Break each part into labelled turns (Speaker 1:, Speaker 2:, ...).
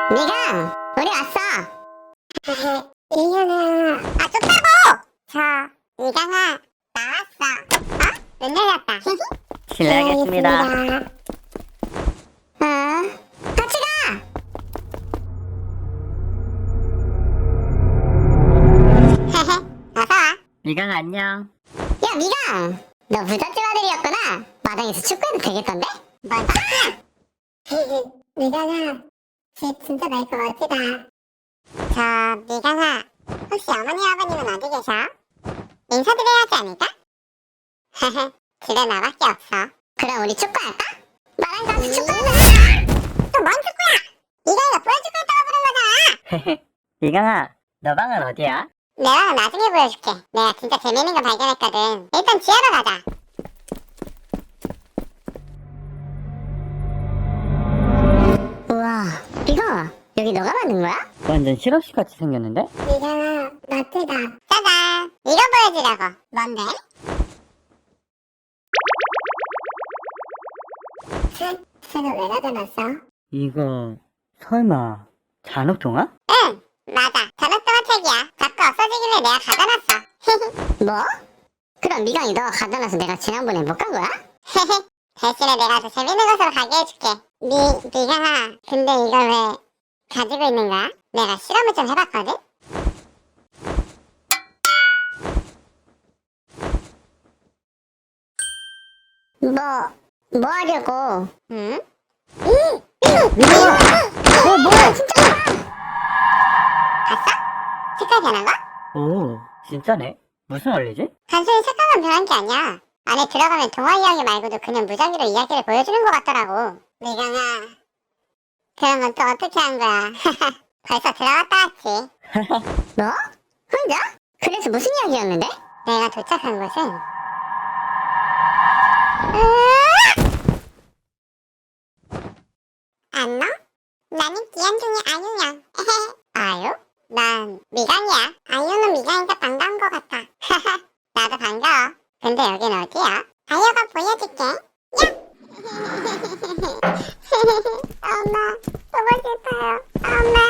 Speaker 1: 미강, 우리 왔어.
Speaker 2: 이현아,
Speaker 1: 쫓다고!
Speaker 2: 저 미강아 나왔어. 문 열렸다.
Speaker 3: 실례하겠습니다.
Speaker 1: 같이 가!
Speaker 2: 어서와.
Speaker 3: 미강 안녕.
Speaker 1: 야, 미강! 너 부잣집 아들이었구나. 마당에서 축구해도 되겠던데?
Speaker 2: 뭔 소리야? 미강아, 집 진짜 넓고 멋지다. 저 미강아, 혹시 어머니 아버님은 어디 계셔? 인사드려야 하지 않을까? 집에 나밖에 없어.
Speaker 1: 그럼 우리 축구할까? 마당 가서 축구하자!
Speaker 2: 또 뭔 축구야? 미강이가 보여줄 거 있다고 부른 거잖아.
Speaker 3: 미강아, 너 방은 어디야?
Speaker 2: 내 방은 나중에 보여줄게. 내가 진짜 재밌는 거 발견했거든. 일단 지하로 가자.
Speaker 1: 우와, 이거 여기 너가 만든 거야?
Speaker 3: 완전 실험실 같이 생겼는데?
Speaker 2: 미강아, 멋지다. 짜잔! 이거 보여주려고. 뭔데? 책을 왜 가져놨어?
Speaker 3: 이거 설마 잔혹동화?
Speaker 2: 응, 맞아. 전학동화 책이야. 자꾸 없어지길래 내가 가져놨어.
Speaker 1: 뭐? 그럼 미강이 너가 가져놔서 내가 지난번에 못 간 거야?
Speaker 2: 대신에 내가 더 재밌는 곳으로 가게 해줄게. 미강아, 근데 이걸 왜 가지고 있는 거야? 내가 실험을 좀 해봤거든?
Speaker 1: 뭐 하려고?
Speaker 2: 응?
Speaker 1: 뭐야, 진짜?
Speaker 2: 봤어? 색깔 변한 거?
Speaker 3: 오, 진짜네. 무슨 원리지?
Speaker 2: 단순히 색깔만 변한 게 아니야. 안에 들어가면 동화 이야기 말고도 그냥 무작위로 이야기를 보여주는 것 같더라고. 미강아, 그런 건 또 어떻게 한 거야? 벌써 들어갔다 왔지.
Speaker 1: 뭐? 혼자? 그래서 무슨 이야기였는데?
Speaker 2: 내가 도착한 곳은 안녕? 나는 기현중의 아유야. 아유? 난 미강이야. 아유는 미강이가 반가운 것 같아. 나도 반가워. 근데 여긴 어디야? 아유가 보여줄게. 야! 엄마, 보고 싶어요. 엄마.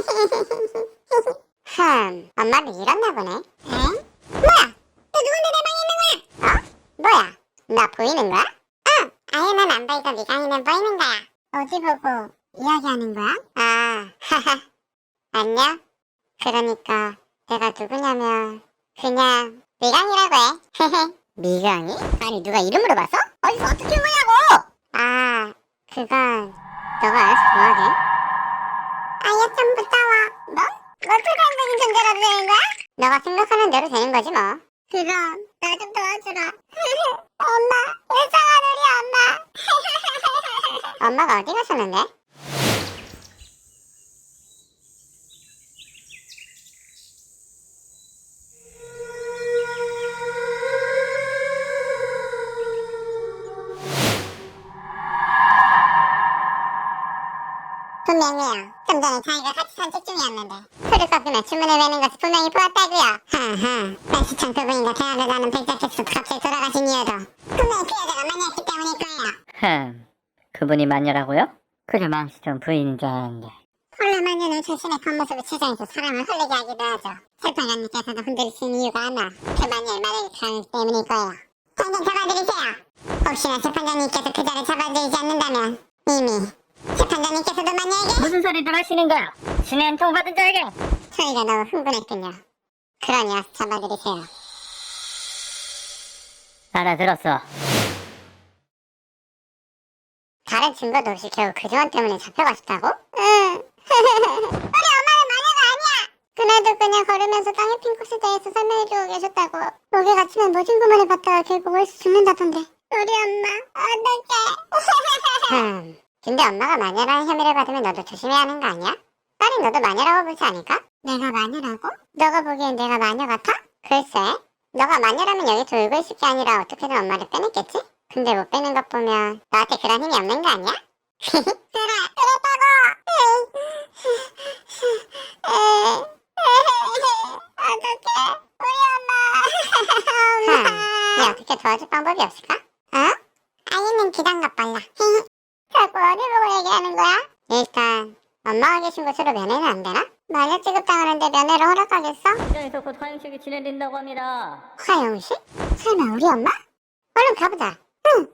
Speaker 2: 엄마도 잃었나 보네. 응? 뭐야? 또 누군데 내 방에 있는 거야? 어? 뭐야? 나 보이는 거야? 응! 아유는 안 보이고 미강이는 보이는 거야. 어디 보고 이야기하는 거야? 아, 하하. 안녕? 그러니까 내가 누구냐면 그냥 미강이라고 해.
Speaker 1: 미강이? 아니, 누가 이름으로 봤어? 어디서 어떻게 보냐고!
Speaker 2: 아, 그건 너가 알아서 뭐하게? 아유 좀 무서워. 뭐? 불가능적인 존재라도 되는 거야? 너가 생각하는 대로 되는 거지 뭐. 그럼 나 좀 도와주라. 엄마, 이상한 우리 엄마. 엄마가 어디 가셨는데? 분명히요. 좀 전에 자기가 같이 산책 중이었는데 술을 꺾으며 주문을 외는 것을 분명히 보았다고요. 하하. 날씨창 그분인가 대학을 가는 백작객수 갑자기 돌아가신 이유도 분명히 그 여자가 마녀였기 때문일 거예요.
Speaker 3: 그분이 마녀라고요? 그저 망치던 부인인 줄 알았는데.
Speaker 2: 원래 마녀는 자신의 겉모습을 치장해서 사람을 흘리게 하기도 하죠. 재판관님께서도 흔들리신 이유가 아마 그 마녀의 마력이 강하기 때문일 거예요. 당장 잡아드리세요. 혹시나 재판장님께서 그자를 잡아드리지 않는다면 이미 재판장님께서도 마녀에게
Speaker 3: 무슨 소리들 하시는 거야? 신의 한 통 받은 자에게!
Speaker 2: 저희가 너무 흥분했군요. 그러니 와서 잡아드리세요.
Speaker 3: 알아들었어.
Speaker 2: 다른 증거도 없이 결국 그 조언 때문에 잡혀가셨다고? 응. 우리 엄마는 마녀가 아니야. 그날도 그냥 걸으면서 땅의 핑크스에 대해서 설명해주고 계셨다고. 목에 갇히면 모진 구멍을 받다가 결국 월수 죽는다던데. 우리 엄마 어떡해. 근데 엄마가 마녀라는 혐의를 받으면 너도 조심해야 하는 거 아니야? 딸이 너도 마녀라고 보지 않을까? 내가 마녀라고? 너가 보기엔 내가 마녀 같아? 글쎄, 너가 마녀라면 여기서 울고 있을 게 아니라 어떻게든 엄마를 빼냈겠지? 근데 못 빼는 것 보면 너한테 그런 힘이 없는 거 아니야? 그래, 그렇다고! 어떡해, 우리 엄마. 어떻게 도와줄 방법이 없을까? 어? 아이는 기단가 빨라. 자꾸 어디 보고 얘기하는 거야? 일단 엄마 엄마가 계신 곳으로 면회는 안 되나? 마녀 취급당하는데 면회를 허락하겠어?
Speaker 3: 현장에서 곧 화영식이 진행된다고 합니다.
Speaker 2: 화영식? 설마 우리 엄마? 얼른 가보자. 응.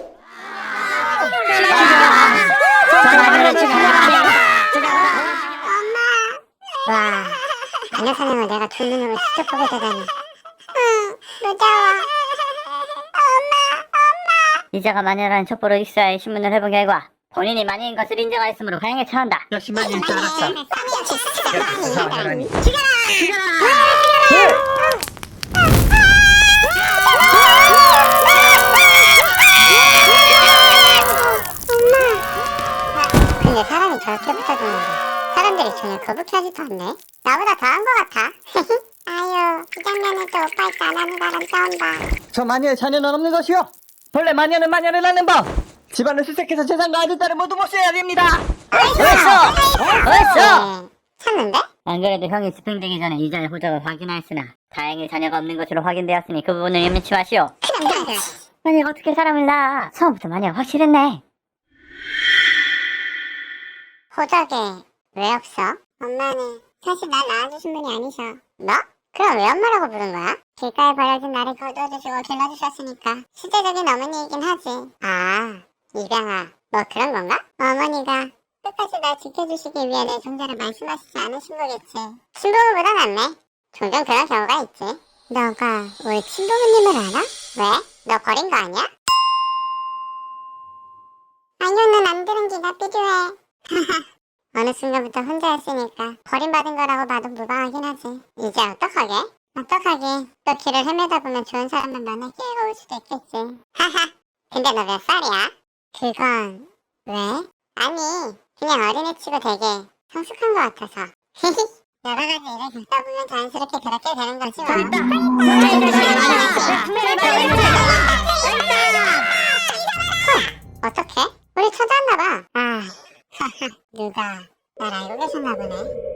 Speaker 2: 엄마. 와, 마녀 사냥을 내가 두 눈으로 직접 보게 되다니. 응, 무서워.
Speaker 3: 이자가 마녀라는 첩보로 익사에 신문을 해본 결과 본인이 마녀인 것을 인정하였으므로 화형에 처한다.
Speaker 4: 역시 마녀일 줄 알았어.
Speaker 2: 근데 사람이 저렇게 붙어주는데 사람들이 전혀 거북해하지도 않네. 나보다 더한 것 같아. 아유, 이 장면에도 오빠 있지 안 하는 사람 싸운다.
Speaker 4: 저 마녀의 자녀는 없는 것이요. 본래 마녀는 마녀를 낳는 법. 집안을 수색해서 재산과 아들, 딸을 모두 모셔야 됩니다.
Speaker 3: 어딨어?
Speaker 2: 찾는데?
Speaker 3: 안 그래도 형이 집행되기 전에 이자의 호적을 확인하였으나 다행히 자녀가 없는 것으로 확인되었으니 그 부분을 염려치 마시오. 아니 어떻게 사람을 낳아? 처음부터 마녀가 확실했네.
Speaker 2: 호적에 왜 없어? 엄마는 사실 날 낳아주신 분이 아니셔. 뭐? 그럼 왜 엄마라고 부른 거야? 길가에 버려진 나를 거두어주시고 길러주셨으니까 실제적인 어머니이긴 하지. 아, 입양아, 뭐 그런 건가? 어머니가 끝까지 날 지켜주시기 위해 내 종자를 말씀하시지 않으신 거겠지. 친부모보다 낫네. 종종 그런 경우가 있지. 너가 우리 친부모님을 알아? 왜? 너 버린 거 아니야? 아니요는 안 들은 기가 필요해. 어느 순간부터 혼자였으니까 버림받은 거라고 봐도 무방하긴 하지. 이제 어떡하게? 어떡하게? 또 길을 헤매다 보면 좋은 사람만 만나 끼어가 올 수도 있겠지. 하하. 근데 너 몇 살이야? 그건 왜? 아니 그냥 어린애치고 되게 성숙한 것 같아서. 여러 가지 일을 겪다 보면 자연스럽게 그렇게 되는 거지 뭐. 어떡해? 우리 찾아왔나봐. 아, 누가 날 알고 계셨나 보네.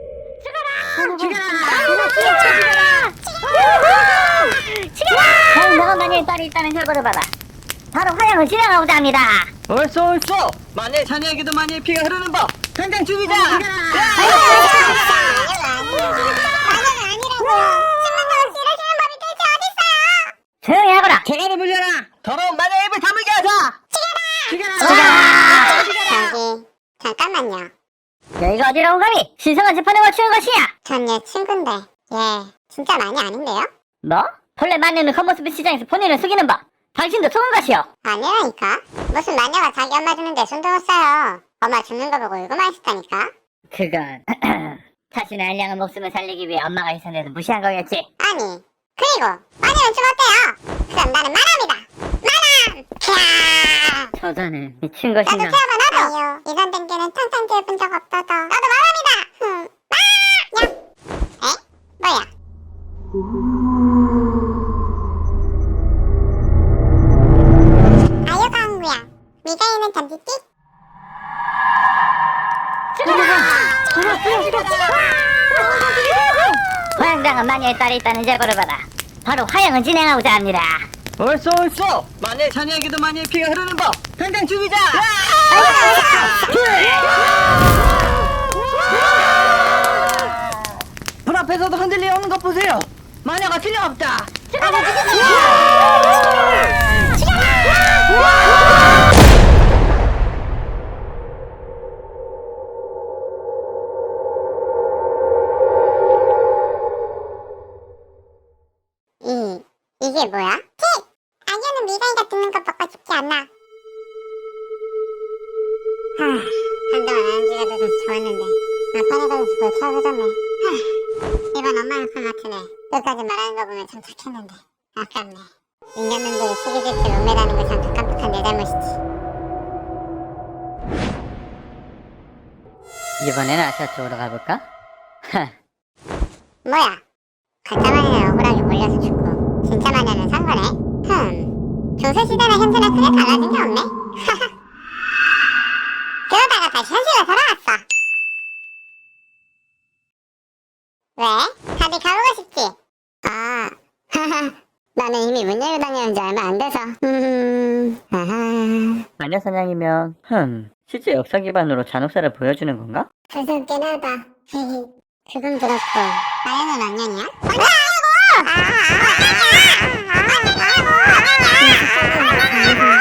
Speaker 3: 형 너가 마녀의 딸이 있다는 결과를 받아 바로 화형을 진행하고자 합니다.
Speaker 4: 옳소. 마녀의 자녀에게도 마녀의 피가 흐르는 법. 당장 죽이자.
Speaker 2: 마녀가 아니라고요. 신문도 없이 이러시는 법이 도대체 어딨어요?
Speaker 3: 조용히 하거라.
Speaker 4: 개가를 물려라. 더러운 마녀의 입을 다물게 하자.
Speaker 2: 저기 잠깐만요.
Speaker 3: 여기가 어디라고 감히 신성한 재판을 맞추는 것이냐?
Speaker 2: 전 얘 친구인데 얘 진짜 많이 아닌데요?
Speaker 3: 뭐? 본래 마녀는 겉모습의 시장에서 본인을 속이는 법. 당신도 속은 것이오.
Speaker 2: 아니라니까. 무슨 마녀가 자기 엄마 주는데 손 들었어요. 엄마 죽는 거 보고 울고만 있었다니까.
Speaker 3: 그건 자신의 알량한 목숨을 살리기 위해 엄마가 희생돼서 무시한 거겠지.
Speaker 2: 아니 그리고 마녀는 좀 어때요? 그럼 나는 마남이다. 마남! 캬!
Speaker 3: 저자는 미친
Speaker 2: 나도
Speaker 3: 것인가?
Speaker 2: 태어나 나도. 아유 이런 댕기는 탕탕 뛰어본 적 없어서 나도 마남이다. 마! 야! 에? 뭐야? 아유가 한구야. 미가이는 던지띠?
Speaker 3: 화양당한 마녀의 딸이 있다는 제보를 받아 바로 화양을 진행하고자 합니다.
Speaker 4: 옳소. 마녀의 자녀에게도 마녀의 피가 흐르는 법. 당장 죽이자. 불 앞에서도 흔들려 오는 것 보세요. 마녀가 틀림없다.
Speaker 2: 이게 뭐야? 아니야는 미가이가 듣는 것밖에 쉽지 않아. 한동안 안 죽어도 좋았는데 막판에 걸려서 골치 아프졌네. 이번 엄마 역할 같으네. 끝까지 말하는 거 보면 참 착했는데 아깝네. 인간놈들이 시기질투 룸메라는 걸 잠깐 깜빡한 내 잘못이지.
Speaker 3: 이번에는 아차 쪽으로 가볼까?
Speaker 2: 뭐야? 가짜 마녀는 억울하게 몰려서 죽고 진짜 마녀는 산 거네? 중세시대나 현재나 크게 달라진 게 없네? 그러다가 다시 현실로 돌아왔어. 왜? 다들 가보고 싶지? 아, 나는 이미 문 열고 다녀온 지 얼마 안 돼서 아하.
Speaker 3: 마녀 사냥이면 실제 역사 기반으로 잔혹사를 보여주는 건가?
Speaker 1: 무섭긴 하다. 그건 그렇고.
Speaker 2: 마녀는 언년이야?
Speaker 1: 아,